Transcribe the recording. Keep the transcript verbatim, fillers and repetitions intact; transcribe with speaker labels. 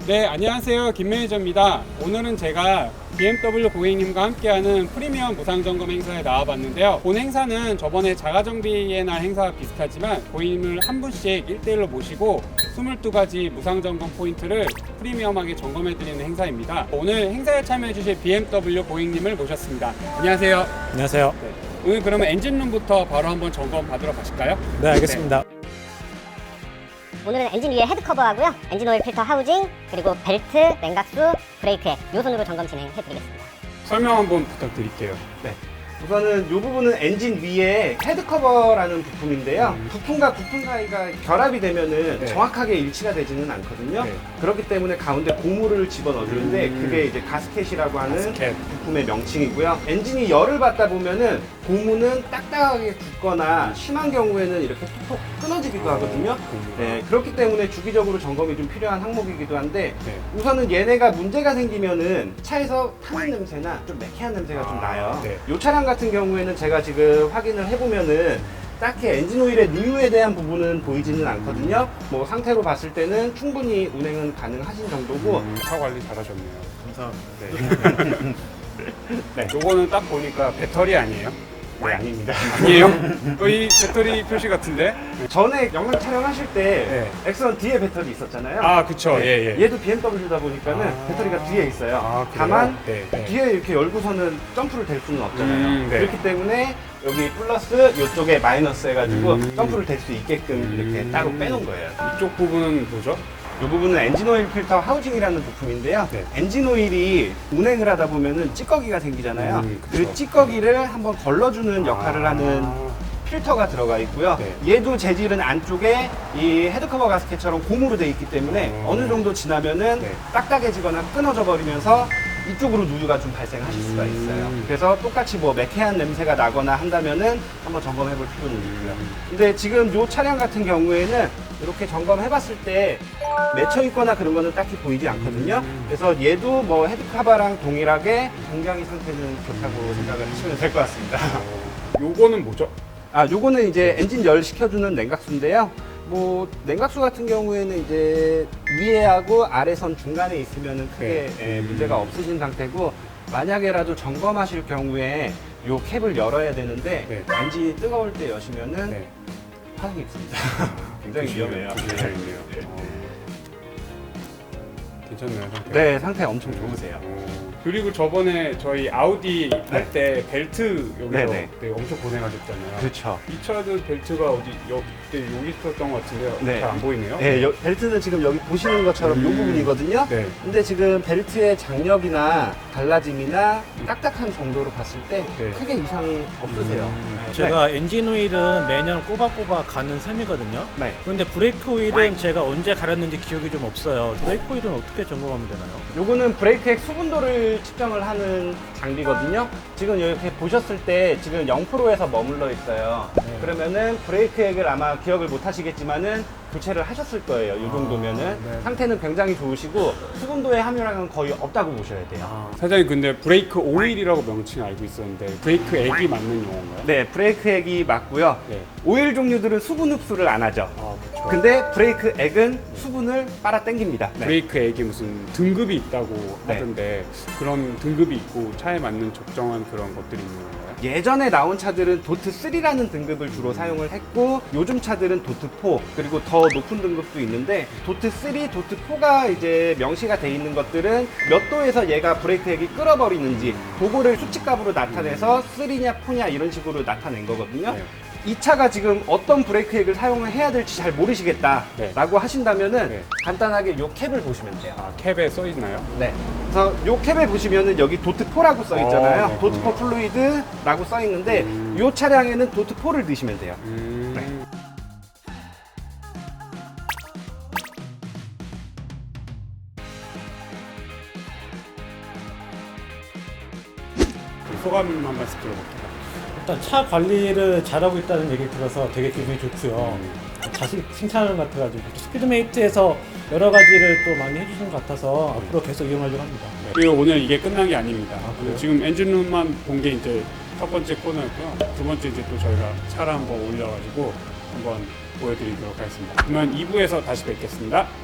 Speaker 1: 네, 안녕하세요. 김 매니저입니다. 오늘은 제가 비엠더블유 고객님과 함께하는 프리미엄 무상점검 행사에 나와봤는데요. 본 행사는 저번에 자가정비의 날 행사와 비슷하지만 고객님을 한 분씩 일 대일로 모시고 이십이 가지 무상점검 포인트를 프리미엄하게 점검해드리는 행사입니다. 오늘 행사에 참여해주실 비엠더블유 고객님을 모셨습니다. 안녕하세요.
Speaker 2: 안녕하세요.
Speaker 1: 네, 오늘 그러면 엔진룸부터 바로 한번 점검 받으러 가실까요?
Speaker 2: 네, 알겠습니다.
Speaker 1: 네.
Speaker 3: 오늘은 엔진 위에 헤드 커버하고요, 엔진 오일 필터 하우징, 그리고 벨트, 냉각수, 브레이크액 요 순으로 점검 진행해드리겠습니다.
Speaker 1: 설명 한번 부탁드릴게요.
Speaker 4: 네. 우선은 이 부분은 엔진 위에 헤드 커버라는 부품인데요.
Speaker 1: 음.
Speaker 4: 부품과 부품 사이가 결합이 되면은
Speaker 1: 네.
Speaker 4: 정확하게 일치가 되지는 않거든요.
Speaker 1: 네.
Speaker 4: 그렇기 때문에 가운데 고무를 집어넣어 주는데
Speaker 1: 음.
Speaker 4: 그게 이제 가스켓이라고 하는
Speaker 1: 가스켓.
Speaker 4: 부품의 명칭이고요. 엔진이 열을 받다 보면은 고무는 딱딱하게 굳거나 심한 경우에는 이렇게 톡톡 끊어지기도 하거든요.
Speaker 1: 고무가.
Speaker 4: 네, 그렇기 때문에 주기적으로 점검이 좀 필요한 항목이기도 한데
Speaker 1: 네.
Speaker 4: 우선은 얘네가 문제가 생기면은 차에서 타는 냄새나 좀 매캐한 냄새가 좀
Speaker 1: 아,
Speaker 4: 나요.
Speaker 1: 네.
Speaker 4: 이 차량 같은 경우에는 제가 지금 확인을 해보면은 딱히 엔진 오일의 누유에 대한 부분은 보이지는 않거든요. 뭐 상태로 봤을 때는 충분히 운행은 가능하신 정도고
Speaker 1: 음, 차 관리 잘하셨네요.
Speaker 2: 감사합니다.
Speaker 1: 네. 네. 요거는 딱 보니까 배터리 아니에요?
Speaker 4: 네, 아닙니다.
Speaker 1: 아니에요? 어, 이 배터리 표시 같은데?
Speaker 4: 전에 영상 촬영하실 때
Speaker 1: 네.
Speaker 4: 엑스원 뒤에 배터리 있었잖아요.
Speaker 1: 아, 그쵸.
Speaker 4: 네.
Speaker 1: 예, 예.
Speaker 4: 얘도 비엠더블유다 보니까는
Speaker 1: 아.
Speaker 4: 배터리가 뒤에 있어요.
Speaker 1: 아, 그래요?
Speaker 4: 다만
Speaker 1: 네, 네.
Speaker 4: 뒤에 이렇게 열고서는 점프를 댈 수는 없잖아요.
Speaker 1: 음, 네.
Speaker 4: 그렇기 때문에 여기 플러스 이쪽에 마이너스 해가지고
Speaker 1: 음.
Speaker 4: 점프를 댈 수 있게끔 이렇게
Speaker 1: 음.
Speaker 4: 따로 빼놓은 거예요.
Speaker 1: 이쪽 부분은 뭐죠?
Speaker 4: 이 부분은 엔진 오일 필터 하우징이라는 부품인데요.
Speaker 1: 네.
Speaker 4: 엔진 오일이 운행을 하다 보면은 찌꺼기가 생기잖아요.
Speaker 1: 음, 그쵸.
Speaker 4: 그 찌꺼기를 한번 걸러주는 역할을
Speaker 1: 아.
Speaker 4: 하는 필터가 들어가 있고요.
Speaker 1: 네.
Speaker 4: 얘도 재질은 안쪽에 이 헤드커버 가스켓처럼 고무로 돼 있기 때문에
Speaker 1: 음.
Speaker 4: 어느 정도 지나면은
Speaker 1: 네.
Speaker 4: 딱딱해지거나 끊어져 버리면서 이쪽으로 누유가 좀 발생하실 수가 있어요.
Speaker 1: 음.
Speaker 4: 그래서 똑같이 뭐 매캐한 냄새가 나거나 한다면은 한번 점검해 볼 필요는 있고요.
Speaker 1: 음.
Speaker 4: 근데 지금 이 차량 같은 경우에는 이렇게 점검해 봤을 때 맺혀 있거나 그런 거는 딱히 보이지 않거든요.
Speaker 1: 음.
Speaker 4: 그래서 얘도 뭐 헤드카바랑 동일하게 굉장히 상태는 좋다고 생각을 하시면 될 것 같습니다.
Speaker 1: 어, 요거는 뭐죠?
Speaker 4: 아, 요거는 이제 엔진 열 식혀주는 냉각수인데요. 뭐 냉각수 같은 경우에는 이제 위에하고 아래선 중간에 있으면은 크게
Speaker 1: 네.
Speaker 4: 예, 문제가 없으신 상태고 만약에라도 점검하실 경우에 요 캡을 열어야 되는데
Speaker 1: 네.
Speaker 4: 엔진이 뜨거울 때 여시면은
Speaker 1: 네.
Speaker 4: 화상이 있습니다. 굉장히 위험해요.
Speaker 1: 굉장히 있네요. 어. 괜찮네요, 상태.
Speaker 4: 네, 상태 엄청 좋으세요.
Speaker 1: 어, 그리고 저번에 저희 아우디 할 때 벨트 여기서
Speaker 4: 네, 네.
Speaker 1: 그때 엄청 고생하셨잖아요.
Speaker 4: 그렇죠.
Speaker 1: 이 차도 벨트가 어디 여기 그때 여기 있었던 것 같은데요.
Speaker 4: 네.
Speaker 1: 잘 안 보이네요.
Speaker 4: 네, 여- 벨트는 지금 여기 보시는 것처럼 이
Speaker 1: 음.
Speaker 4: 부분이거든요.
Speaker 1: 네.
Speaker 4: 근데 지금 벨트의 장력이나 갈라짐이나 딱딱한 정도로 봤을 때
Speaker 1: 네.
Speaker 4: 크게 이상이 없으세요.
Speaker 1: 음.
Speaker 4: 네.
Speaker 2: 제가 엔진 오일은 매년 꼬박꼬박 가는 셈이거든요.
Speaker 4: 네.
Speaker 2: 그런데 브레이크 오일은 제가 언제 갈았는지 기억이 좀 없어요. 브레이크 오일은 어떻게 점검하면 되나요?
Speaker 4: 요거는 브레이크액 수분도를 측정을 하는 장비거든요. 지금 이렇게 보셨을 때 지금 영 퍼센트에서 머물러 있어요.
Speaker 2: 네.
Speaker 4: 그러면은 브레이크액을 아마 기억을 못 하시겠지만은 교체를 하셨을 거예요. 이 정도면은
Speaker 1: 네.
Speaker 4: 상태는 굉장히 좋으시고 수분도의 함유량은 거의 없다고 보셔야 돼요.
Speaker 1: 아, 사장님 근데 브레이크 오일이라고 명칭 알고 있었는데 브레이크 액이 맞는 용어인가요?
Speaker 4: 네, 브레이크액이 맞고요.
Speaker 1: 네.
Speaker 4: 오일 종류들은 수분 흡수를 안 하죠.
Speaker 1: 아, 그렇죠.
Speaker 4: 근데 브레이크액은 수분을 빨아 당깁니다. 네.
Speaker 1: 브레이크 액이 무슨 등급이 있다고
Speaker 4: 네.
Speaker 1: 하던데 그런 등급이 있고 차에 맞는 적정한 그런 것들이 있는 건가요?
Speaker 4: 예전에 나온 차들은 도트 쓰리라는 등급을 주로 사용을 했고 요즘 차들은 도트 포 그리고 더 높은 등급도 있는데 도트 쓰리, 도트 포가 이제 명시가 돼 있는 것들은 몇 도에서 얘가 브레이크액이 끌어버리는지 그거를 수치값으로 나타내서 쓰리냐 포냐 이런 식으로 나타낸 거거든요.
Speaker 1: 네.
Speaker 4: 이 차가 지금 어떤 브레이크액을 사용을 해야 될지 잘 모르시겠다
Speaker 1: 네.
Speaker 4: 라고 하신다면은
Speaker 1: 네.
Speaker 4: 간단하게 요 캡을 보시면 돼요.
Speaker 1: 아, 캡에 써 있나요?
Speaker 4: 네. 그래서 요 캡에 보시면은 여기 도트 포라고 써 있잖아요.
Speaker 1: 어, 네.
Speaker 4: 도트 포 플루이드라고 써 있는데
Speaker 1: 음.
Speaker 4: 요 차량에는 도트 포를 넣으시면 돼요.
Speaker 1: 음.
Speaker 4: 네.
Speaker 1: 소감 한 말씀 들어볼게요.
Speaker 2: 일단 차 관리를 잘하고 있다는 얘기를 들어서 되게 기분이 좋고요. 자신 칭찬을 같아가지고 스피드메이트에서 여러 가지를 또 많이 해주신 것 같아서 앞으로 계속 이용하려고 합니다.
Speaker 1: 그리고 오늘 이게 끝난 게 아닙니다.
Speaker 2: 아, 그래요?
Speaker 1: 지금 엔진룸만 본 게 이제 첫 번째 코너였고요. 두 번째 이제 또 저희가 차를 한번 올려가지고 한번 보여드리도록 하겠습니다. 그러면 이 부에서 다시 뵙겠습니다.